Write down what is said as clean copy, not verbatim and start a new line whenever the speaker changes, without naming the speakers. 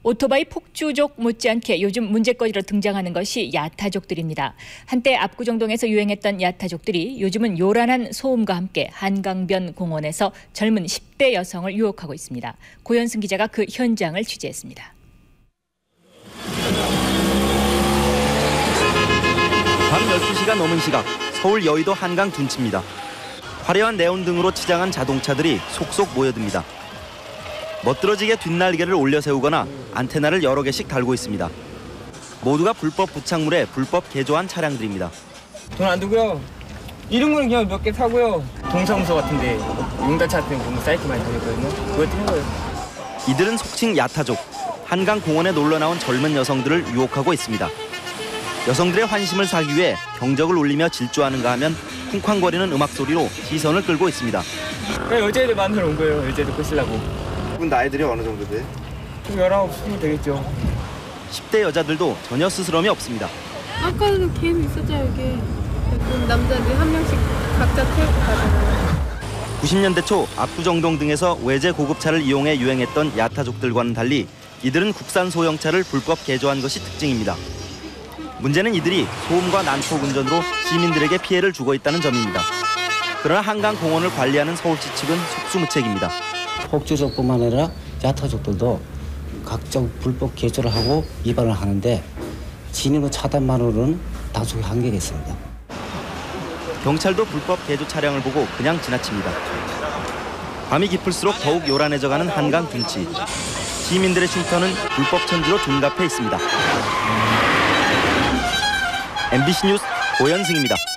오토바이 폭주족 못지않게 요즘 문제거리로 등장하는 것이 야타족들입니다. 한때 압구정동에서 유행했던 야타족들이 요즘은 요란한 소음과 함께 한강변 공원에서 젊은 10대 여성을 유혹하고 있습니다. 고현승 기자가 그 현장을 취재했습니다.
밤 12시가 넘은 시각, 서울 여의도 한강 둔치입니다. 화려한 네온 등으로 치장한 자동차들이 속속 모여듭니다. 멋들어지게 뒷날개를 올려 세우거나 안테나를 여러 개씩 달고 있습니다. 모두가 불법 부착물에 불법 개조한 차량들입니다.
돈 안 두고요. 이런 거는 그냥 몇 개 사고요. 동사무소 같은데 용달차 같은 거 보면 사이트 많이 다녔거든요. 그거 띄는 거예요.
이들은 속칭 야타족, 한강 공원에 놀러 나온 젊은 여성들을 유혹하고 있습니다. 여성들의 환심을 사기 위해 경적을 울리며 질주하는가 하면 쿵쾅거리는 음악 소리로 시선을 끌고 있습니다.
그냥 여자애들 만나러 온 거예요. 여자애들 꼬시려고.
분 나이들이 어느 정도 돼?
19, 20 되겠죠.
10대 여자들도 전혀 스스럼이 없습니다.
아까도 걔는 있었죠, 여기. 그럼 남자들 한 명씩 각자 태우고 가잖아요.
90년대 초 압구정동 등에서 외제 고급차를 이용해 유행했던 야타족들과는 달리 이들은 국산 소형차를 불법 개조한 것이 특징입니다. 문제는 이들이 소음과 난폭 운전으로 시민들에게 피해를 주고 있다는 점입니다. 그러나 한강 공원을 관리하는 서울시 측은 속수무책입니다.
폭주족뿐만 아니라 야타족들도 각종 불법 개조를 하고 위반을 하는데 진입로 차단만으로는 단속의 한계가 있습니다.
경찰도 불법 개조 차량을 보고 그냥 지나칩니다. 밤이 깊을수록 더욱 요란해져가는 한강 둔치. 시민들의 쉼터는 불법 천지로 둔갑해 있습니다. MBC 뉴스 고현승입니다.